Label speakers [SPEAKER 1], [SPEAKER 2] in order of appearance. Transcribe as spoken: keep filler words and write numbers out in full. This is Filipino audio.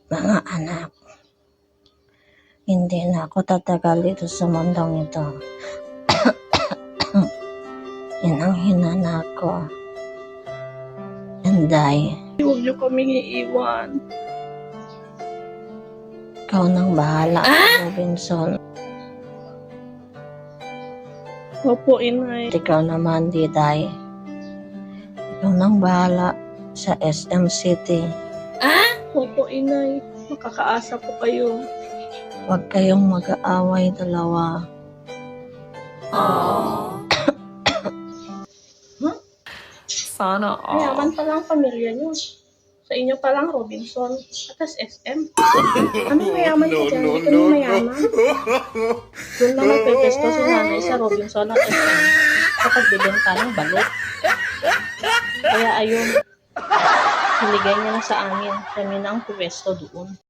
[SPEAKER 1] Mga anak, hindi na ako tatagal dito sa mundong ito. Yan ang hinana ko. Inday,
[SPEAKER 2] Huwag niyo kaming iiwan.
[SPEAKER 1] ikaw nang bahala, ah? Robinson.
[SPEAKER 2] Opo, inay.
[SPEAKER 1] At ikaw naman, Diday. Ikaw nang bahala sa S M City.
[SPEAKER 2] Opo, inay. Makakaasa po kayo.
[SPEAKER 1] Huwag kayong mag-aaway dalawa.
[SPEAKER 2] Sana all. Mayaman pa lang pamilya niyo. Sa inyo pa lang, Robinson. Atas S M. Ano mayaman ka dyan? Hindi kami mayaman. Doon lang nagpepesto si nanay sa Robinson at S M kapag bibenta ng balot. Kaya ayun, niligay niya na sa amin. Kami na ang pwesto doon.